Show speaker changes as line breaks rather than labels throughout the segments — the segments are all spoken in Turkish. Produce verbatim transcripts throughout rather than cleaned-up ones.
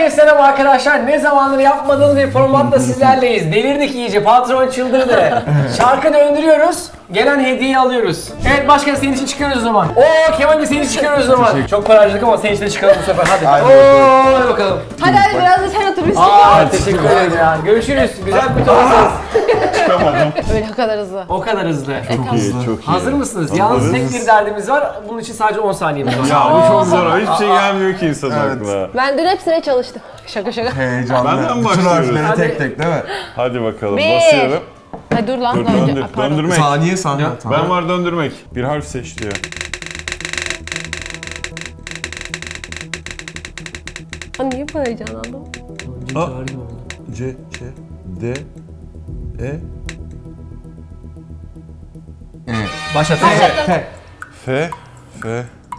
Herkese selam arkadaşlar. Ne zamandır yapmadığımız bir formatla sizlerleyiz. Delirdik iyice. Patron çıldırdı. Şarkı döndürüyoruz. Gelen hediyeyi alıyoruz. Evet başkan senin için çıkarıyoruz o zaman. Oo Kemal de senin için çıkarıyoruz o zaman. Çok para harcadık ama senin için de çıkalım bu sefer. Hadi.
Hadi
Oo hadi bakalım.
Hadi hadi biraz da sen otur biz
Aa teşekkür ederim ya. Görüşürüz. Güzel bir toplasanız.
Çıkamadım.
Öyle kadar hızlı.
O kadar hızlı.
Çok iyi, çok iyi.
Hazır mısınız? Yalnız tek bir derdimiz var. Bunun için sadece on saniyemiz var.
Ya bu çok zor. Hiçbir şey gelmiyor ki insanın
Evet.
aklına.
Ben dün hepsine çalıştım. Şaka şaka.
Heyecanlı.
Benden
Bütün
başlıyoruz.
harfleri
Hadi.
tek tek değil mi?
Hadi bakalım.
Bir.
Basıyorum.
Hadi dur lan.
Dur
daha önce-
döndür.
Aa, pardon.
Döndürmek.
Saniye saniye. Tamam.
Ben var döndürmek. Bir harf seç diyor.
Aa, niye bu heyecanlandım?
A. C, Ç, D, E,
Başlat.
Başlattım.
F, F.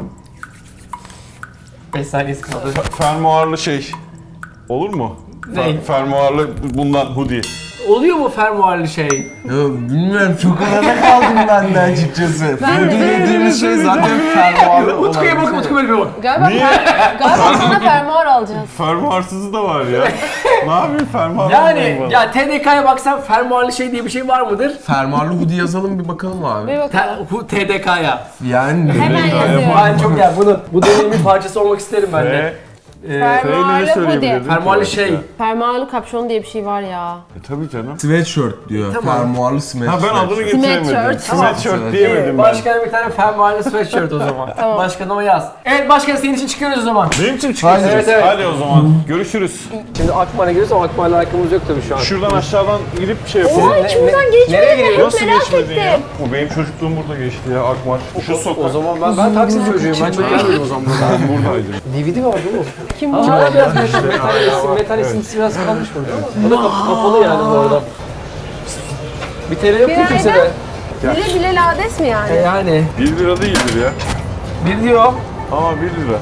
beş saniyesi kaldı.
Fermuarlı şey. Olur mu?
Ne?
Fer, fermuarlı bundan hoodie.
Oluyor mu fermuarlı şey?
Ya bilmiyorum çok arada kaldım ben de açıkçası.
Ben de.
Fırgı dediğimiz şey zaten fermuarlı olan.
Utku'ya bak, Utku böyle bir bak.
Galiba, fer, galiba sana fermuar alacağız.
Fermuarsızı da var ya. Ne yapayım fermuarlı
Yani
olayım
ya T D K'ya baksan fermuarlı şey diye bir şey var mıdır?
Fermuarlı hoodie yazalım bir bakalım
Bir
abi.
Te-
bakalım.
hu- T D K'ya.
Yani
Hemen yazıyorum.
Ben çok yani bunun bu dönemin parçası olmak isterim ben de.
F,
Ee,
F ile ne
Fermuarlı
söyleyebilirim?
hoodie.
fermuarlı şey.
Fermuarlı kapşon diye bir şey var ya.
E tabii canım.
sweatshirt diyor.
Tamam.
Fermuarlı sweatshirt.
Ha ben adını getiremedim.
Sweatshirt.
Sweatshirt
Tamam.
diyemedim ben.
Başkana bir tane fermuarlı sweatshirt o zaman.
Tamam.
Başkana o yaz. Evet başkan senin için çıkıyoruz o zaman.
Benim için çıkıyorsunuz.
Evet, evet.
Hadi o zaman. Görüşürüz.
Şimdi Akmar'a giriyoruz ama Akmar'la alakamız yok tabii şu an.
Şuradan aşağıdan gidip şey yapalım.
Oha içimden geçmedi.
Nereye gidiyoruz?
Hep
Nasıl
merak
geçmedin
ettim.
ya? O benim çocukluğum burada geçti ya Akmar. Şu sokak.
O zaman ben, ben taksi çocuğuyum. Ben çok gelmedim o zaman burada.
Ben buradaydım.
D V D var değil mi?
Kim bu?
Aa, biraz metal, metal, esin, metal esintisi biraz kalmış burada. Bu da kap- kapalı yani bu arada. Bir T L yok ki
Günaydın.
kimsede.
Bile bile lades mi yani?
E yani.
bir lira değildir ya.
Bir diyor.
Ama bir lira.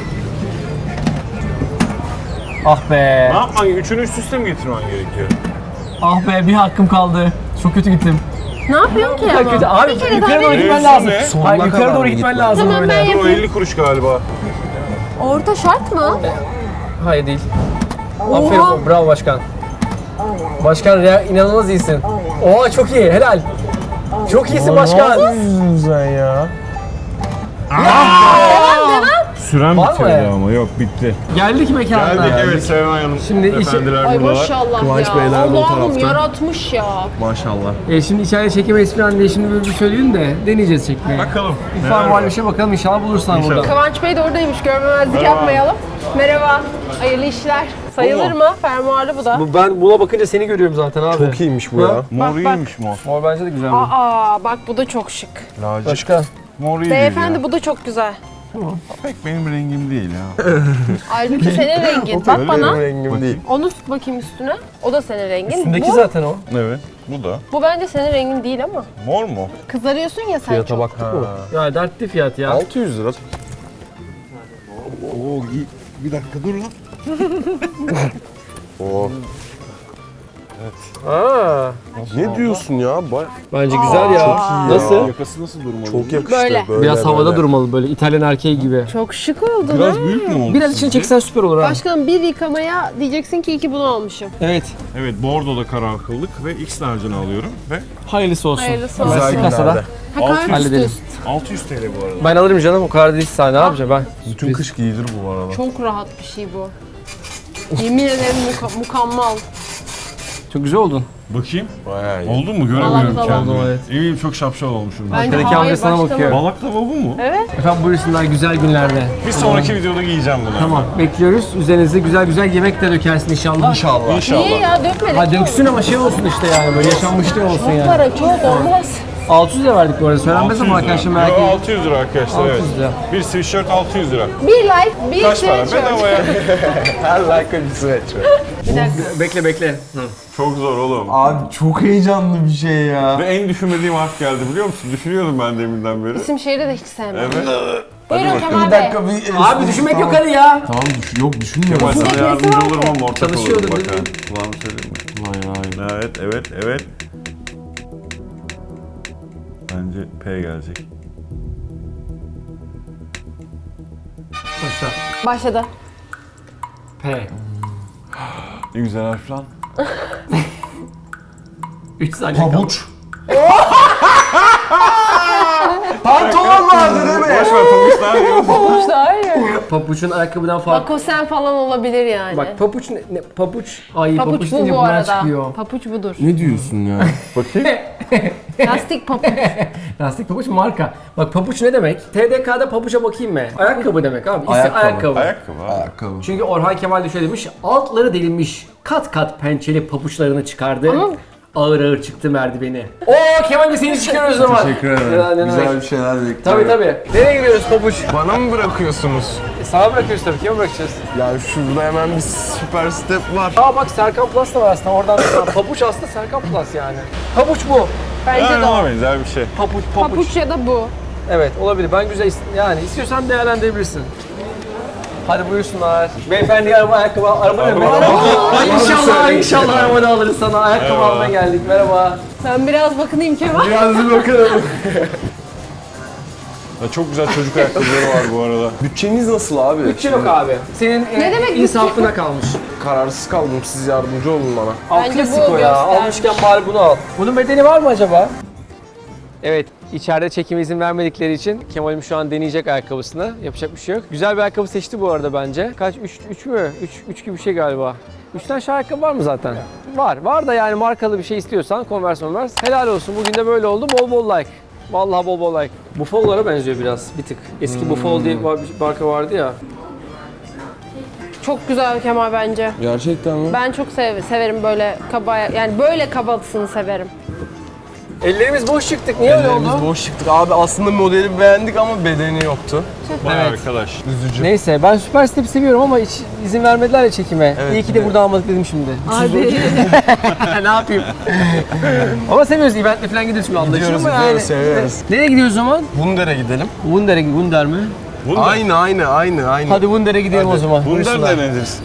Ah be.
Ne yapman gerekiyor? Üçünü üst üste mi getirmen gerekiyor?
Ah be bir hakkım kaldı. Çok kötü gittim.
Ne yapıyorsun ki
Çok kötü.
ama?
Abi
Bir kere
yukarı
daha
doğru
bir...
gitmen
Mevzu
lazım.
ne?
Sonuna
Hayır yukarı
kadar
doğru
mı
gitmen
gitmen?
lazım
Tamam,
böyle.
ben
Dur o
yapayım.
elli kuruş galiba.
Orta şart mı?
Hayır değil. Aferin bravo başkan. Başkan ya, inanılmaz iyisin. Oha çok iyi helal. Çok iyisin başkan.
sen ya?
Süren
Var mı?
bitirdi ama yok bitti.
Geldik mekanına.
Geldik evet Serenay Hanım.
Şimdi işi-
Efendiler
Ay
buradalar.
maşallah
Kıvanç
ya.
Beyler de o
Allah'ım
tarafta.
yaratmış ya.
Maşallah.
E şimdi içeride çekemeyiz falan diye şimdi böyle bir söyleyin de deneyeceğiz çekmeyi.
Bakalım.
Bir
neler
farm var
var?
bir şey bakalım inşallah bulursun
İnşallah.
burada.
Kıvanç Bey de oradaymış. Görmemezlik
Merhaba.
yapmayalım. Merhaba. Hayırlı işler. Sayılır
Bu
mı? Fermuarlı bu da.
Bu- Ben buna bakınca seni görüyorum zaten abi.
Çok iyiymiş bu
Ha?
ya.
Mor
Bak,
iyiymiş mor.
Mor bence de güzel bu.
Aa bak bu da çok şık.
Lacivert.
Başka?
Mor iyi
Beyefendi
değil
bu da çok güzel.
ya. Pek benim rengim değil ya.
Halbuki senin rengin. Bak
Öyle
bana.
Benim rengim değil.
Onu tut bakayım üstüne. O da senin rengin.
Üstündeki
bu,
zaten o.
Evet. Bu da.
bu bence senin rengin değil ama.
Mor mu?
Kızarıyorsun ya sen çok.
baktık mı?
Ya dertli fiyat ya.
altı yüz lira. Oo, bir dakika dur lan. Oo.
Aa,
Ne diyorsun ya? Bay-
bence güzel ya.
Çok iyi ya.
Nasıl?
Yakası nasıl durmalı?
Çok yakıştı.
Böyle.
Biraz havada durmalı böyle İtalyan erkeği gibi.
Çok şık oldu
Biraz
lan.
büyük mü oldu?
Biraz içine çeksen süper olur ha.
Başkanım bir yıkamaya diyeceksin ki iki bunu almışım.
Evet.
Evet Bordo'da karar kıldık ve X large'ını alıyorum ve
Hayırlısı olsun.
Hayırlısı
Güzel
olsun.
Güzel
kasada.
günlerde.
Ha,
altı yüz
karpuz
Halledelim.
diyorsun.
altı yüz T L bu arada.
Ben alırım canım o kadar değil sahne ne yapacağım ben?
Bütün kış giyilir bu arada.
Çok rahat bir şey bu. Yemin ederim muka- mukammal.
Çok güzel oldun.
Bakayım.
Bayağı iyi.
Oldu mu?
Vallahi
Göremiyorum
tamam.
kendimi.
Oldu, evet.
İyiyim çok şapşal olmuşum. ben.
Bence
Arkadaki
hayır
amca sana
başlama.
bakıyor.
Balak tava bu mu?
Evet.
Efendim buyursunlar güzel günlerde.
Bir sonraki videoda giyeceğim bunu.
Tamam bekliyoruz. Üzerinize güzel güzel yemek de dökersin inşallah.
İnşallah.
İnşallah.
Niye ya dökmedik.
Ha döksün ama şey olsun işte yani böyle yaşanmışlık olsun yani.
Para çok olmaz.
altı yüz lira verdik bu arada söylenmez ama arkadaşlar merak
Yo,
etmeyin.
altı yüz lira arkadaşlar evet.
altı yüz lira.
Bir sweatshirt altı yüz lira.
Bir like, bir
Kaç para?
sweatshirt.
Bedava ya.
Her like bir sweatshirt.
Bir dakika.
Bekle bekle.
Çok zor oğlum.
Abi çok heyecanlı bir şey ya.
Ve en düşünmediğim harf geldi biliyor musun? Düşünüyordum ben deminden beri.
İsim şehri de hiç sevmem.
Evet.
Buyurun Kemal
Bir
Bey.
dakika bir...
Abi düşünmek yok hadi ya.
Tamam düş yok düşünmüyorum.
Kemal sana yardımcı olurum ama ortak
Çalışıyordu,
olurum bak
değil
ha.
mi?
Kulağını söyleyeyim mi? Vay vay. Evet evet evet. Bence P gelecek.
Başla.
Başladı.
P.
Ne güzel harf lan.
üç saniye kaldı.
Pabuç. Pantolon vardı değil mi?
Boş ver pabuç daha iyi.
Pabuç daha iyi.
Papuçun ayakkabıdan farklı.
Lakosen falan olabilir yani.
Bak papuç ne, ne papuç. Ay papuç,
Papuç bu
deyince
bu
bunlar
arada.
çıkıyor.
Papuç budur.
Ne diyorsun ya?
Bakayım.
Lastik papuç.
Lastik papuç marka. Bak papuç ne demek? T D K'da papuça bakayım mı? Ayakkabı demek abi. İsim
Ayakkabı.
ayakkabı.
Ayakkabı abi.
Ayakkabı.
Çünkü Orhan Kemal de şöyle demiş. Altları delinmiş. Kat kat pençeli papuçlarını çıkardı.
Ama-
Ağır ağır çıktı merdiveni. Oo Kemal Bey seni çıkarıyoruz o zaman.
Teşekkür
Ya,
ederim.
ne
Güzel
demek?
bir şeyler bekliyorum.
Tabii tabii. Nereye gidiyoruz papuç?
Bana mı bırakıyorsunuz?
E, sana bırakıyoruz tabii. Kime bırakacağız?
Yani şurada hemen bir süper step var.
Aa bak Serkan Plus da var aslında. Oradan da papuç aslında Serkan Plus yani. Papuç bu.
Bence
Yani
de o.
ona benzer bir şey.
Papuç papuç.
Papuç ya da bu.
Evet olabilir. Ben güzel ist- yani istiyorsan değerlendirebilirsin. Hadi buyursunlar. Beyefendi araba ayakkabı araba ne?
Araba-
Ay inşallah inşallah arabada alırız sana. Ayakkabı
Merhaba.
almaya geldik. Merhaba.
Ben biraz bakınayım Kemal.
Biraz bir bakalım.
Ya çok güzel çocuk ayakkabıları var bu arada.
Bütçeniz nasıl abi?
Bütçe yok abi. Senin
Ne
e,
demek bütçe?
insafına kalmış.
Kararsız kaldım. Siz yardımcı olun bana.
Al
Bence
klasik
bu
o ya.
göstermiş.
Almışken bari bunu al. Bunun bedeli var mı acaba? Evet, içeride çekime izin vermedikleri için Kemal'im şu an deneyecek ayakkabısını. Yapacak bir şey yok. Güzel bir ayakkabı seçti bu arada bence. Kaç? üç mü? üç gibi bir şey galiba. üç tane şey ayakkabı var mı zaten? Var. Var da yani markalı bir şey istiyorsan Converse Converse. Helal olsun. Bugün de böyle oldu. Bol bol like. Vallahi bol bol like. Buffalo'lara benziyor biraz bir tık. Eski Buffalo diye bir marka vardı ya.
Çok güzel Kemal bence.
Gerçekten mi?
Ben çok sev severim böyle kaba, yani böyle kabalısını severim.
Ellerimiz boş çıktık. Niye öyle oldu?
Ellerimiz boş çıktık. Abi aslında modeli beğendik ama bedeni yoktu.
Vay
Evet.
arkadaş.
Üzücü.
Neyse ben Süper Step seviyorum ama hiç izin vermediler ya çekime.
Evet,
İyi ki de
evet.
burada almadık dedim şimdi.
Abi.
ne yapayım? ama seviyoruz, eventle falan gidiyoruz şimdi anlaşılıyor
Gidiyoruz,
mu yani?
gidiyoruz, seviyoruz.
Nereye gidiyoruz o zaman?
Wunder'e gidelim.
Wunder'e Wunder mi?
Wunder.
Aynı aynı aynı aynı.
Hadi Wunder'e gidelim o zaman.
Wunder
Buyursunlar.
de nedir?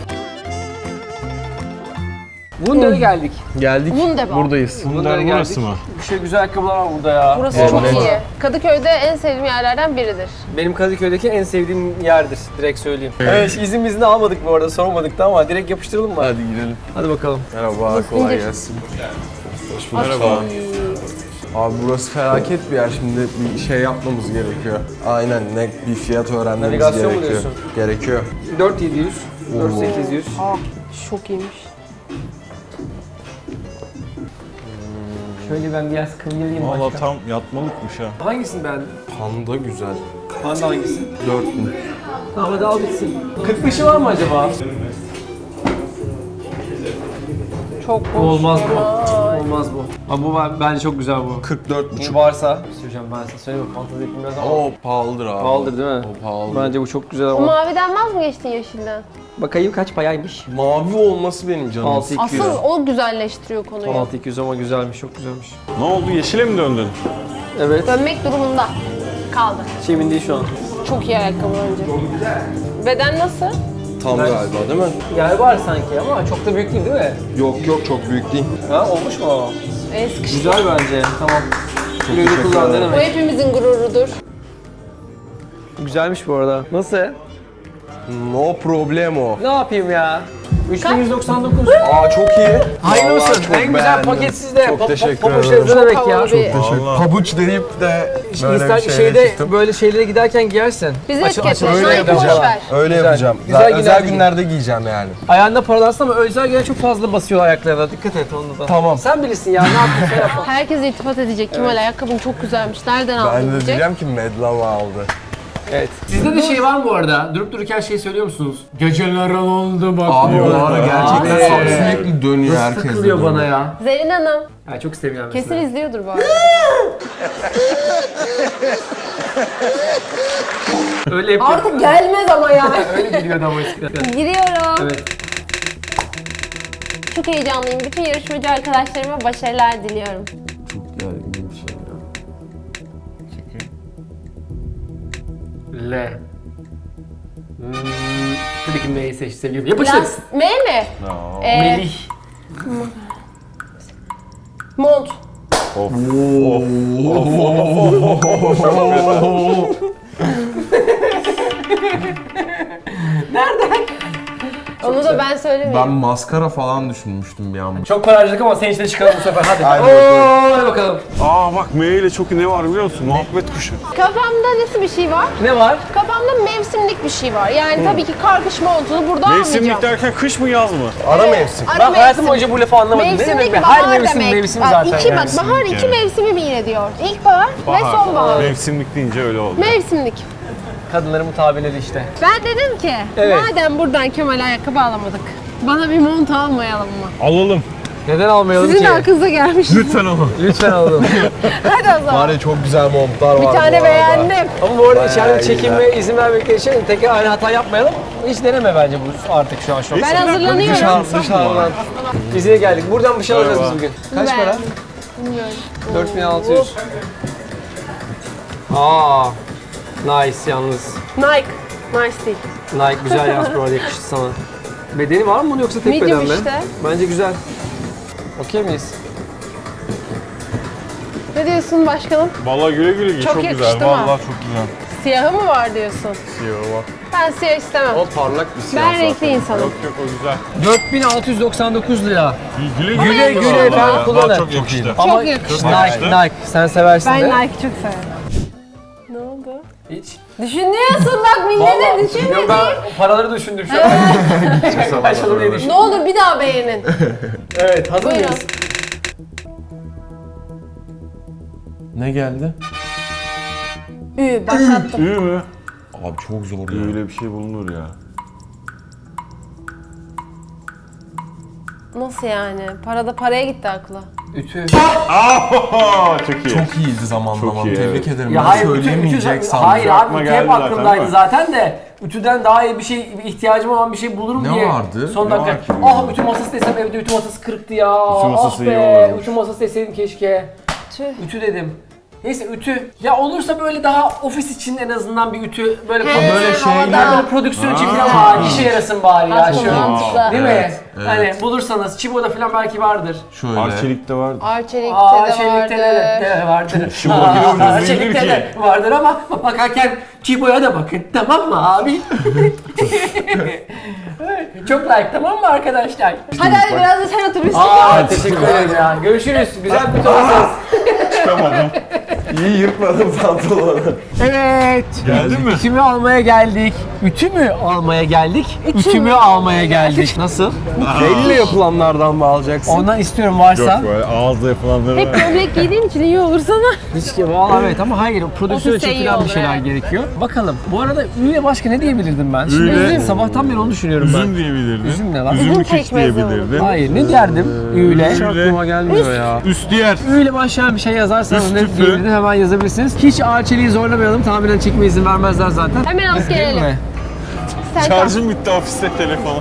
Wunder'e geldik.
Geldik.
Wunderbar.
Buradayız.
Wunder
geldik.
burası mı?
Bir şey güzel ayakkabılar var burada ya.
Burası
Evet.
çok iyi. Kadıköy'de en sevdiğim yerlerden biridir.
Benim Kadıköy'deki en sevdiğim yerdir. Direkt söyleyeyim. Evet, izin izni almadık bu arada, sormadık da ama direkt yapıştıralım mı?
Hadi gidelim.
Hadi bakalım.
Merhaba, kolay
indir.
gelsin. Hoş bulduk.
Merhaba.
Abi burası felaket bir yer. Şimdi bir şey yapmamız gerekiyor. Aynen, ne bir fiyat öğrenmemiz
Navigasyon mu
gerekiyor.
diyorsun?
Gerekiyor.
dört bin yedi yüz, dört bin sekiz yüz.
Aa, çok iyiymiş.
Şöyle ben biraz kıvırayım
Valla
başka.
tam yatmalıkmış ha.
Hangisini beğendin?
Panda güzel.
Panda hangisi?
dört bin.
Tamam hadi al bitsin. kırk beşi var mı acaba?
Çok
Bu
hoş.
olmaz bu.
Kemal.
Olmaz bu. Ama bu ben- bence çok güzel bu.
kırk dört
Bu
buçuk.
varsa, söyleyeceğim ben size söyleyeyim mi? Fantezi bilmez ama.
O pahalıdır abi.
Pahalıdır değil mi?
O pahalı.
Bence bu çok güzel
Bu
ama.
maviden vaz mı geçtin yeşilden?
Bakayım kaç payaymış?
Mavi olması benim canım.
altı iki yüz.
Asıl o güzelleştiriyor konuyu.
altı iki yüz ama güzelmiş, çok güzelmiş.
Ne oldu? Yeşile mi döndün?
Evet.
Dönmek durumunda kaldı.
Hiç emin değil şu an.
Çok iyi ayakkabı bence. Beden nasıl?
Tam galiba değil mi?
Yer var sanki ama çok da büyük değil değil mi?
Yok yok, çok büyük değil.
Ha olmuş mu o?
El sıkıştı.
Güzel bence. Tamam. Güle güle
teşekkür
kullan, ne
ederim.
Bu
demek?
hepimizin gururudur.
Güzelmiş bu arada. Nasıl?
No problemo.
Ne yapayım ya? üç bin yüz doksan dokuz.
Aa çok iyi.
Hayırlı
Vallahi
olsun.
çok
En güzel
beğendim.
paket sizde.
Çok
Pa- pa-
teşekkür
pabuç
ederim.
ne demek ya?
havalı bir-
Vallahi.
Pabuç deyip de böyle
İnsan
bir şeyle
şeyde
çıktım.
böyle şeylere giderken giyersin.
Bizi
Açıl-
etiketle.
açıl-
Öyle
öyle
yapacağım.
yapacağım.
Boş ver.
Öyle
Güzel.
yapacağım.
Güzel
Güzel,
günler
özel
giyin.
günlerde giyeceğim yani.
Ayağında paralansın ama özel güne çok fazla basıyorlar ayaklarına. Dikkat et onda da.
Tamam.
Sen bilirsin ya, ne yapıyorsun yap.
Herkes iltifat edecek. Kemal ayakkabın çok güzelmiş. Nereden aldın
Ben de
diyecek.
diyeceğim ki Medlama aldı.
Evet. Sizde de şey var mı bu arada? Durup dururken şey söylüyor musunuz? Geceler oldu bak.
Abi
diyor.
o ara gerçekten
Abi.
sürekli dönüyor
Nasıl
herkes. de
takılıyor bana
dönüyor.
ya?
Zerrin Hanım.
Ya çok seviyorum
Kesin
mesela.
izliyordur bu arada.
Öyle yapıyor.
Artık gelmez ama ya.
Öyle geliyordu ama eskiden.
Giriyorum.
Evet.
Çok heyecanlıyım. Bütün yarışmacı arkadaşlarıma başarılar diliyorum.
Çok gergin bir şey ya.
L. Hmm, tabii ki M'yi seç, seviyorum. Yapıştır.
Lans M mi?
No.
Ee,
Melih.
Mont.
Of. Of. Of.
Onu da ben söylemeyeyim.
Ben maskara falan düşünmüştüm bir an.
Çok para harcadık ama senin için de çıkalım bu sefer hadi.
Hadi
Oo, hadi bakalım.
Aa bak M ile çok ne var biliyor musun? Muhabbet kuşu.
Kafamda nasıl bir şey var?
Ne var?
Kafamda mevsimlik bir şey var. Yani tabii ki kar kış montunu burada
Mevsimlik
almayacağım.
derken kış mı yaz mı?
Ara mevsim.
Ara
Ben hayatım
mevsim.
boyunca bu lafı anlamadım. Ne
Mevsimlik
demek be?
bahar
Her mevsim
demek.
mevsim
Bak,
zaten.
iki,
yani.
bak, bahar
Mevsimlik
iki
yani.
mevsimi mi yine diyor. İlkbahar ve sonbahar.
Mevsimlik deyince öyle oldu.
Mevsimlik.
Kadınların tabirleri işte.
Ben dedim ki
Evet.
madem buradan Kemal'e ayakkabı alamadık. Bana bir mont almayalım mı?
Alalım.
Neden almayalım
Sizin
ki?
de aklınıza gelmiş.
Lütfen alalım.
Lütfen alalım.
Hadi o zaman.
Var ya çok güzel montlar var
Bir
bu
tane
arada.
beğendim.
Ama bu arada
Bayağı
içeride
güzel.
çekinme izin vermekleri için tekrar aynı hata yapmayalım. Hiç deneme bence bu artık şu an şu an.
Ben hazırlanıyorum.
Dışarı, dışarıdan. Bize geldik. Buradan bir şey alacağız biz bugün. Kaç
Ben-
para?
Bilmiyorum.
dört bin altı yüz. Aa, nice yalnız.
Nike. Nice değil.
Nike güzel yalnız bu arada yakıştı sana. Bedeni var mı bunun yoksa tek
Medium
beden mi?
işte.
Bence güzel. Okey miyiz?
Ne diyorsun başkanım?
Vallahi güle güle giy.
Çok
Çok,
yakıştı
güzel.
mı?
Vallahi çok güzel.
Siyahı mı var diyorsun?
Siyah var.
Ben siyah istemem.
O parlak bir siyah
Ben
zaten.
renkli insanım.
Yok yok o güzel.
dört bin altı yüz doksan dokuz lira.
Güle
Güle
güle.
güle
vallahi
efendim,
ya.
kullanın.
Vallahi Çok yakıştı.
Ama
yakıştı.
Nike, Nike. Sen seversin
Ben
de.
Nike çok severim. Ne oldu?
Hiç.
Düşünüyorsun bak millete
Vallahi. Yok
düşünmediğim.
ben paraları düşündüm şu an. Kaç olur diye
Ne
düşündüm.
olur bir daha beğenin.
Evet, hazır
Buyurun.
mıyız?
Ne geldi?
Ü başlattım.
İyi mi?
Abi çok zor ya.
Öyle bir şey bulunur ya.
Nasıl yani? Parada paraya gitti aklı.
Ütü.
Aa, çok iyi.
Çok iyiydi zamanlama.
Çok iyi,
Tebrik
evet.
ederim.
Ya
ben
hayır, ütü, ütü,
söyleyemeyecek sandım.
hayır abi
Aklıma
ütü hep
geldi zaten,
aklımdaydı
değil mi?
zaten de ütüden daha iyi bir şey, bir ihtiyacım olan bir şey bulurum
Ne
diye.
vardı?
Son
Ne
dakika.
var ki?
Ah ütü masası desem evde ütü masası kırıktı ya.
Ütü masası
ah
iyi
be,
olurmuş.
ütü masası deseydim keşke.
Tüh.
Ütü dedim. Neyse ütü. Ya olursa böyle daha ofis için en azından bir ütü böyle
He,
böyle
böyle
şeyler
havada.
böyle prodüksiyon için
Ha.
falan var. İşe yarasın bari ya
Aslında
şöyle.
mantıklı.
Değil mi?
Evet, evet.
Hani bulursanız Chibo'da falan belki vardır.
Şöyle.
Arçelik'te var.
Arçelik'te
Aa,
de
şeylikte de,
vardı.
de vardır.
Chibo
Aa,
gibi ucuz
şeylikte
değildir
de
ki.
vardır ama bakarken Chibo'ya da bakın. Tamam mı abi? Çok like tamam mı arkadaşlar?
Hadi hadi biraz da sen otur biz
Aa teşekkür ederim ya. Görüşürüz. Güzel bir turnusunuz.
Çıkamadım.
İyi yırtmadım pantolonu.
Evet.
Geldin mi?
Ütümü almaya geldik. Ütü mü almaya geldik? Ütümü almaya geldik. Nasıl?
Elle yapılanlardan mı alacaksın?
Ondan istiyorum varsa.
Yok böyle ağızda yapılanları
Hep gömlek giydiğin için iyi olur sana.
Hiç ki valla evet ama hayır prodüksiyon
Ofiste
için
iyi
falan bir
olur,
şeyler
evet.
gerekiyor. Bakalım. Bu arada üye başka ne diyebilirdim ben? Şimdi
Üye-
üzüm. Sabahtan beri onu düşünüyorum ben.
üzüm diyebilirdin.
Üzüm ne lan?
Üzümlü
Üzüm
keş
pekmezi
diyebilirdin.
Hayır ne derdim? Üyle.
Hiç aklıma
gelmiyor ya.
Üstüyer.
Üyle başlayan bir şey yazarsanız ne
Üstüfü.
diyebilirim hemen yazabilirsiniz. Hiç Arçelik'i zorlamayalım. Tahminen çekme izin vermezler zaten.
Hemen alıp
Değil
gelelim.
mi?
Sen kal.
Şarjım bitti ofiste telefonu.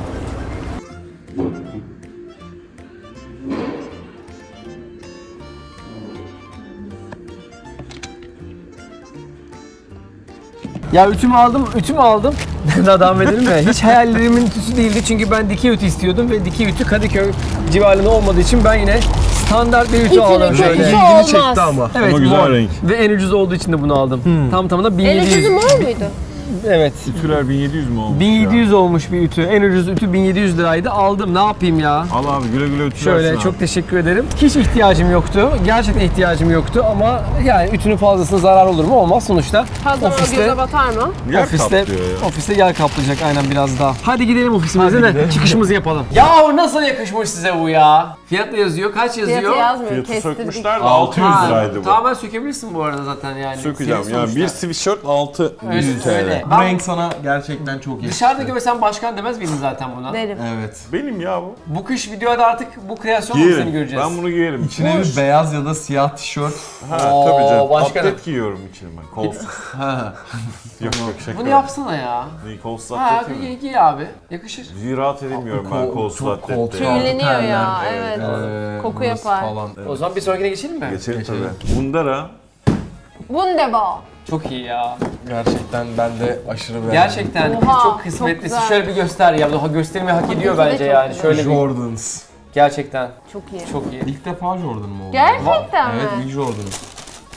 Ya ütümü aldım, ütümü aldım. Daha devam edelim mi? Hiç hayallerimin ütüsü değildi çünkü ben dikey ütü istiyordum ve dikey ütü Kadıköy civarında olmadığı için ben yine standart bir ütü
İçine
aldım
kötü
şöyle.
şey
İlgini
olmaz.
çekti ama.
Evet,
Ama güzel
mor.
renk.
Ve en ucuz olduğu için de bunu aldım. Tam tamına bin
El
yedi yüz.
ucuzu mor muydu?
Evet.
Ütüler bin yedi yüz mü olmuş
bin yedi yüz
ya?
olmuş bir ütü. En ucuz ütü bin yedi yüz liraydı. Aldım. Ne yapayım ya?
Al abi güle güle ütülersin
Şöyle
abi.
çok teşekkür ederim. Hiç ihtiyacım yoktu. Gerçekten ihtiyacım yoktu ama yani ütünün fazlasına zarar olur mu? Olmaz sonuçta.
Fazla
Ofiste-
göze batar mı?
Yer
ofiste,
kaplıyor ya.
ofiste yer kaplayacak aynen biraz daha. Hadi gidelim ofisimize de çıkışımızı yapalım. Ya nasıl yakışmış size bu ya? Fiyat da yazıyor. Kaç yazıyor?
Fiyatı yazmıyor.
Fiyatı
Kestirdik.
sökmüşler de
altı
altı yüz
Ha,
liraydı bu.
Tamamen sökebilirsin bu arada zaten yani.
Sökeceğim
Senin
yani bir
sonuçta.
sweatshirt altı
Öyle
yüz
söyle.
T L.
Bu
Ben
renk sana gerçekten çok yakıştı.
dışarıda görsen başkan demez miydin zaten buna?
Derim.
Evet.
Benim ya bu.
Bu kış videoda artık bu kreasyon mu seni
Giyerim.
göreceğiz?
Ben bunu giyerim.
İçine bir beyaz ya da siyah tişört.
Ha
Oo,
tabii canım.
başkanım.
Atlet giyiyorum içine ben. Kolsuz.
Ha.
yok yok şaka.
Bunu yapsana ya.
Neyi kolsuz
Ha
atlet mi?
giy, giy abi. Yakışır.
Yüzüğü rahat edemiyorum ben
Kol-
kolsuz
çok
atlette.
koltuk
ya.
altı
Tüyleniyor
terler.
ya. Evet.
Ee,
Koku
burası
yapar.
Falan.
O zaman bir sonrakine geçelim mi?
Geçelim
Geçelim.
tabii. Bundara
Wunderbar.
Çok iyi ya.
Gerçekten ben de aşırı beğendim.
Gerçekten
Oha,
çok
çok
kısmetlisi.
güzel.
Şöyle bir göster ya. Daha göstermeyi hak ediyor
Tabii ki de
bence
çok
yani.
güzel.
Şöyle bir
Jordans.
gerçekten
Çok iyi.
çok iyi.
İlk defa Jordan mı oldu?
Gerçekten mi?
Evet, ilk Jordan.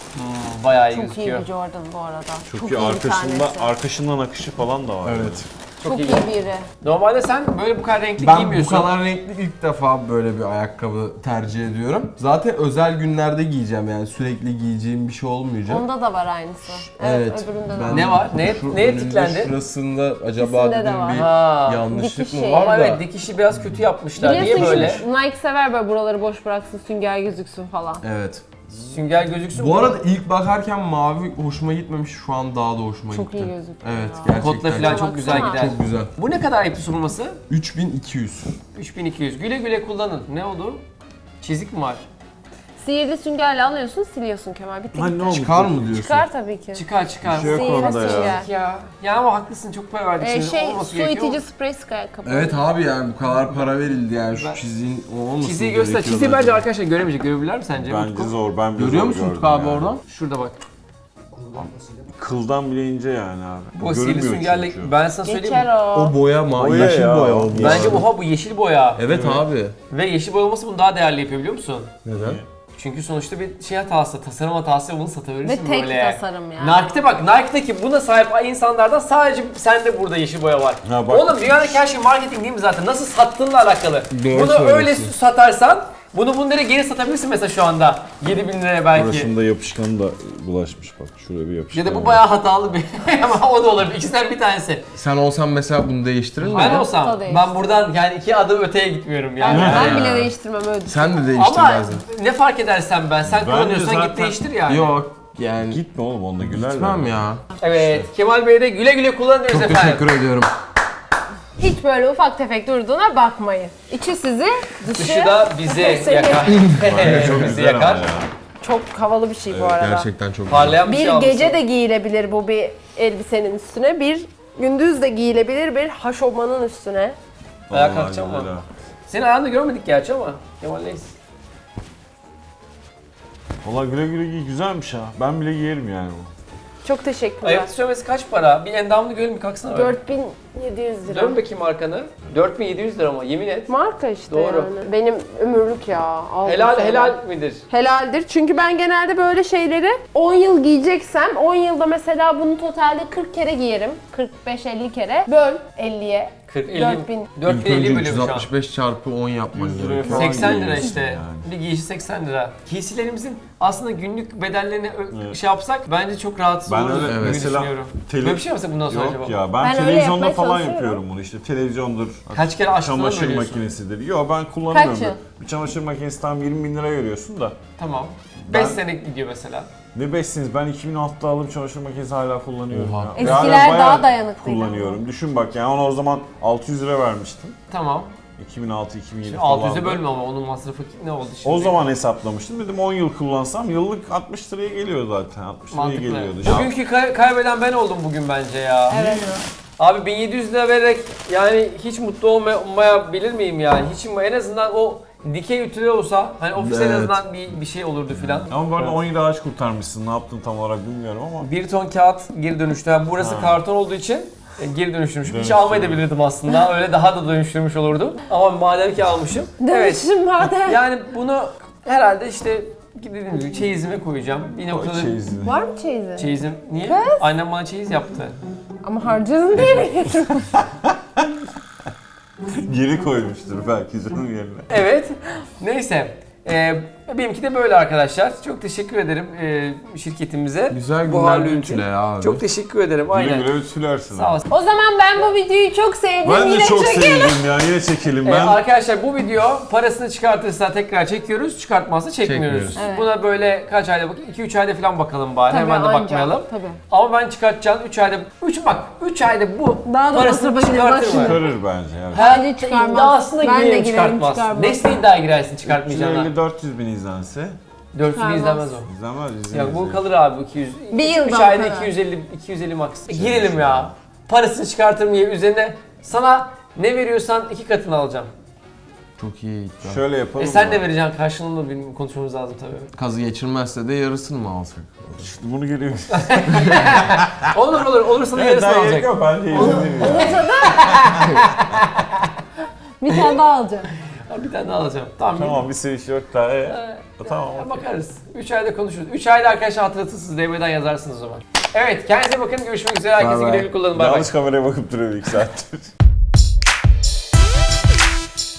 Hmm, bayağı iyi
Çok iyi
gözüküyor.
bir Jordan bu arada.
çok,
Çok
iyi.
iyi bir
Arkasında,
tanesi.
arkasından akışı falan da var.
Evet.
Çok iyi
geldi.
biri.
Normalde sen böyle bu kadar renkli
Ben bu
giymiyorsun.
kadar renkli ilk defa böyle bir ayakkabı tercih ediyorum. Zaten özel günlerde giyeceğim yani sürekli giyeceğim bir şey olmayacak.
Onda da var aynısı.
Evet.
öbüründe de
ben
var.
Ne var? Ne-
şu
neye
önünde
tiklendi?
Şurasında acaba
İkisinde de
dedim
var.
bir
Ha,
yanlışlık
dikiş
mı
şeyi.
var
Ama
da.
evet dikişi biraz kötü yapmışlar. Niye
Biliyorsun
böyle?
ki Nike sever böyle buraları boş bıraksın, sünger gözüksün falan.
Evet.
Sünger gözüksün.
Bu arada ilk bakarken mavi hoşuma gitmemiş, şu an daha da hoşuma
Çok
gitti.
iyi gözüküyor
Evet,
ya.
gerçekten.
Kotla falan çok güzel
Baksana.
gider.
Çok güzel.
Bu ne kadar ipli sunulması?
üç bin iki yüz.
üç bin iki yüz. Güle güle kullanın. Ne oldu? Çizik mi var?
Sihirli süngerle alıyorsun, siliyorsun Kemal. Bitti
Lan
gitti.
ne oldu?
Çıkar mı diyorsun?
Çıkar tabii ki.
Çıkar çıkar.
Bir şey yok
Sihirli
orada ya.
sünger.
Ya. Ya ama haklısın çok para verdik
Ee,
şimdi.
şey,
Olması
su
gerekiyor.
itici sprey sık ayakkabı.
Evet abi yani bu kadar para verildi yani şu
Ben-
çiziğin o olmasın
Çiziyi göster. Çiziyi bence arkadaşlar göremeyecek. Görebilirler mi sence?
Bence
Utku?
zor. Ben bile
Görüyor
zor
musun
gördüm
Utku abi
yani.
oradan?
Şurada bak.
Kıldan bile ince yani abi.
Bu sihirli
Görünmüyor
süngerle
çünkü.
ben sana söyleyeyim mi?
Geçer o.
O boya ma
Boya
yeşil
ya,
boya
o
olmuş.
Bence oha bu yeşil boya.
Evet abi.
Ve yeşil boya olması bunu daha değerli yapıyor biliyor musun?
Neden?
Çünkü sonuçta bir şey hatası, tasarım hatası ve bunu satabilirsin
Ve tek
böyle.
tasarım yani.
Nike'de bak, Nike'deki buna sahip insanlardan sadece sende burada yeşil boya var.
Ha, bak.
Oğlum dünyadaki her şey marketing değil mi zaten? Nasıl sattığınla alakalı.
Doğru
bunu öyle
söylüyorsun.
satarsan, bunu bunlara geri satabilirsin mesela şu anda. yedi bin liraya belki.
Burasında yapışkanı da bulaşmış bak. Şuraya bir yapışkan.
Ya da bu
var.
bayağı hatalı bir ama o da olabilir. İkisinden bir tanesi.
Sen olsan mesela bunu değiştirir miydin?
Ben
O
olsam,
da
ben buradan yani iki adım öteye gitmiyorum
Ben,
yani.
ben
Yani.
bile değiştirmem öyle düşün.
Sen de
Ama
değiştirmezdin.
ne fark edersen ben, sen
Bence
kullanıyorsan git
zaten-
değiştir yani.
Yok yani
Gitme oğlum onunla gülerler.
gitmem ya.
Evet, Kemal Bey'e de güle güle kullanıyoruz
Çok
efendim.
teşekkür ediyorum.
Hiç böyle ufak tefek durduğuna bakmayın. İçi sizi, dışı,
Dışı da bizi
Seni-
yakar.
Bence çok
bizi
güzel
yakar.
ama ya.
çok havalı bir şey bu arada.
Gerçekten çok güzel.
Parlayan bir,
Bir
şey almışsın.
gece de giyilebilir bu bir elbisenin üstüne. Bir gündüz de giyilebilir bir haşomanın üstüne.
Ayağa
Vallahi
kalkacağım
güzel
ama.
ha.
Seni ayağında görmedik gerçi ama. Kemal'leyiz.
Valla güle güle giy güzelmiş ha. Ben bile giyerim yani bu.
Çok teşekkürler.
Ayıp söylemesi kaç para? Bir endamını görelim bir kalksana. öyle.
dört bin yedi yüz lira.
Dön bakayım arkanı. dört bin yedi yüz lira ama yemin et.
Marka işte
Doğru.
yani. Benim ömürlük ya. Aldım
Helal
sonra.
helal midir?
Helaldir. Çünkü ben genelde böyle şeyleri on yıl giyeceksem on yılda mesela bunu totalde kırk kere giyerim. kırk beş elli kere. Böl elliye.
kırk elli
dört bin.
dört
İlk
bin elli
önce
bölüyor
üç yüz
şu an.
altmış beş çarpı on yapman
yüz lira
gerekiyor.
falan.
seksen lira
giyiyorsun
işte.
yani.
Bir giysi seksen lira. Giysilerimizin aslında günlük bedellerini ö-
Evet.
şey yapsak bence çok rahatsız
Ben
oluruz
öyle
gibi
mesela
düşünüyorum.
tele-
Böyle bir şey mi mesela bundan sonra
Yok
acaba?
ya ben,
Ben öyle
televizyonda
yapmaya
falan
çalışıyorum.
yapıyorum bunu işte televizyondur.
Kaç kere açtığını
çamaşır
söylüyorsun.
makinesidir. Yok ben kullanıyorum.
Kaç yıl?
Bir çamaşır makinesi tam yirmi bin lira veriyorsun da.
Tamam.
Ben-
beş sene gidiyor mesela.
Ne beşsiniz ben iki bin altıda aldım çamaşır makinesi hala kullanıyorum.
Oha.
ya. Ve
Eskiler
hala bayağı
daha dayanıklıydı
kullanıyorum. Düşün bak yani ona o zaman altı yüz lira vermiştim.
Tamam.
iki bin altı iki bin yedi
Şimdi
falan.
altı yüze bölme ama onun masrafı ne oldu şimdi?
O zaman hesaplamıştım. Dedim on yıl kullansam yıllık altmış liraya geliyor zaten. altmış liraya
mantıklı.
geliyordu.
Bugünkü kay- kaybeden ben oldum bugün bence ya.
Evet.
Abi bin yedi yüz lira vererek yani hiç mutlu olmayabilir miyim yani? Hiç mi? En azından o dikey ütüler olsa hani ofiste en
Evet.
azından bir, bir şey olurdu filan.
Ama bu arada on yıl ağaç kurtarmışsın. Ne yaptın tam olarak bilmiyorum ama.
Bir ton kağıt geri dönüştü. Yani burası
Ha.
karton olduğu için e, geri dönüştürmüşüm. Hiç
Dönüştürmüş.
almayabilirdim aslında. Öyle daha da dönüştürmüş olurdum. Ama madem ki almışım. Evet.
Dönüşüm madem.
Yani bunu herhalde işte dediğim gibi çeyizime koyacağım. Bir
Koy
noktada
çeyizini.
Var mı çeyizi?
çeyizim. Niye? Annem bana çeyiz yaptı.
Ama harcadın değil mi?
Geri koymuştur belki canım yerine.
Evet. Neyse. Ee, benimki de böyle arkadaşlar. Çok teşekkür ederim e, şirketimize.
Güzel
Bu
günler
halin için.
ütüle ya abi.
Çok teşekkür ederim.
Güle
Aynen.
güle ütülersin.
Sağ olasın.
O zaman ben bu videoyu çok sevdim.
Ben de
Yine
çok
çekelim.
sevdim ya. Yine çekelim.
Ee,
Ben
arkadaşlar bu video parasını çıkartırsa tekrar çekiyoruz, çıkartmazsa çekmiyoruz.
Çekmiyoruz.
Evet.
Buna böyle kaç ayda bakayım? iki üç ayda falan bakalım bari.
Tabii,
Hemen de
anca.
bakmayalım.
Tabii.
Ama ben çıkartacağım üç ayda. üç bak üç ayda bu
Daha da
parasını
masrafı
çıkartır mı?
başlıyor.
çıkarır bence. Evet.
Bence çıkarmaz.
İddiasına
Ben de
girerim
girerim,
çıkartmaz.
çıkarmaz.
Nesne iddia girersin çıkartmayacağına.
üç yüz elli dört yüz bin izlense
dört yüz
Çıkarmaz.
izlenmez o.
izlenmez izlenir.
Ya bu kalır abi iki yüz.
Bir yıldan
üç ayda
kadar.
iki yüz elli iki yüz elli max. E, girelim ya. Parasını çıkartırım diye üzerine sana ne veriyorsan iki katını alacağım.
Çok iyi iddia.
Şöyle yapalım.
E sen
mı?
de vereceksin karşılığında benim konuşmamız lazım tabii.
Kazı geçirmezse de yarısını mı alsak?
İşte bunu geliyor.
Olur olur olursa da
Evet
yarısını
daha gerek
alacak.
yok bence izlenir ya.
Bir tane daha alacağım.
Ha, bir tane daha alacağım. Tamam.
Tamam bir seviş yok daha. E,
Ee,
tamam
ya,
okey.
bakarız. üç ayda konuşuruz. üç ayda arkadaşlar hatırlatırsınız D M'den yazarsınız o zaman. Evet kendinize bakın. Görüşmek üzere. Herkese
Bye bye.
güle güle kullanın. Bay bay.
Yanlış kameraya bakıp duruyor bir iki saattir.